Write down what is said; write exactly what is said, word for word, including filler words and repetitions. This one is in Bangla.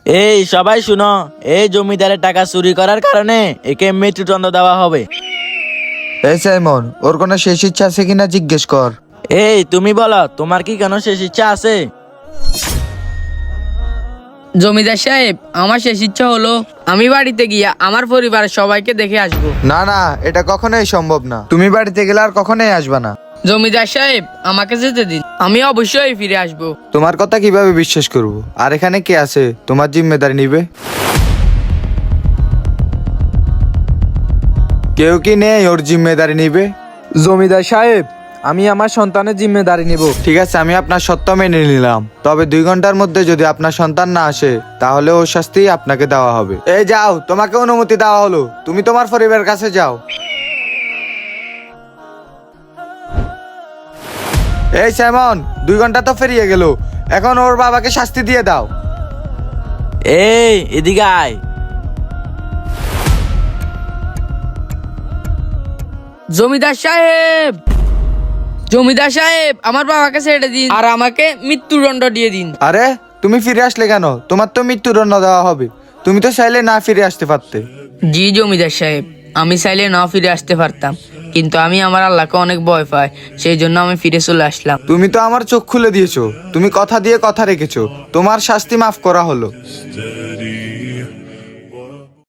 এই সবাই শুনো, এই জমিদারের টাকা চুরি করার কারণে একে মৃত্যুদণ্ড দেওয়া হবে। এই সাইমন, ওর কোনো শেষ ইচ্ছা আছে কিনা জিজ্ঞেস কর। এই তুমি বলো, তোমার কি কোনো শেষ ইচ্ছা আছে? জমিদার সাহেব, আমার শেষ ইচ্ছা হলো আমি বাড়িতে গিয়া আমার পরিবারের সবাইকে দেখে আসবো। না না, এটা কখনোই সম্ভব না। তুমি বাড়িতে গেলে আর কখনোই আসবা না। জমিদার সাহেব, আমাকে যেতে দিন, আমি অবশ্যই ফিরে আসবো। তোমার কথা কিভাবে বিশ্বাস করব? আর এখানে কে আছে তোমার জিম্মেদারি নিবে? কেউ কি নেই ওর জিম্মেদারি নিবে? জমিদার সাহেব, আমি আমার সন্তানের জিম্মেদারি নিব। ঠিক আছে, আমি আপনার সত্য মেনে নিলাম। তবে দুই ঘন্টার মধ্যে যদি আপনার সন্তান না আসে তাহলে ওর শাস্তি আপনাকে দেওয়া হবে। এই যাও, তোমাকে অনুমতি দেওয়া হলো, তুমি তোমার পরিবারের কাছে যাও। এই সাইমন, দুই ঘন্টা তো পেরিয়ে গেল, এখন ওর বাবাকে শাস্তি দিয়ে দাও। এই এদিকে আয়। জমিদার সাহেব, জমিদার সাহেব, আমার বাবাকে ছেড়ে দিন আর আমাকে মৃত্যুদণ্ড দিয়ে দিন। আরে, তুমি ফিরে আসলে কেন? তোমার তো মৃত্যুদণ্ড দেওয়া হবে। তুমি তো চাইলে না ফিরে আসতে পারতে। জি জমিদার সাহেব, আমি চাইলে না ফিরে আসতে পারতাম, কিন্তু আমি আমার আল্লাহকে অনেক ভয় পাই, সেই জন্য আমি ফিরে চলে আসলাম। তুমি তো আমার চোখ খুলে দিয়েছো, তুমি কথা দিয়ে কথা রেখেছো, তোমার শাস্তি মাফ করা হলো।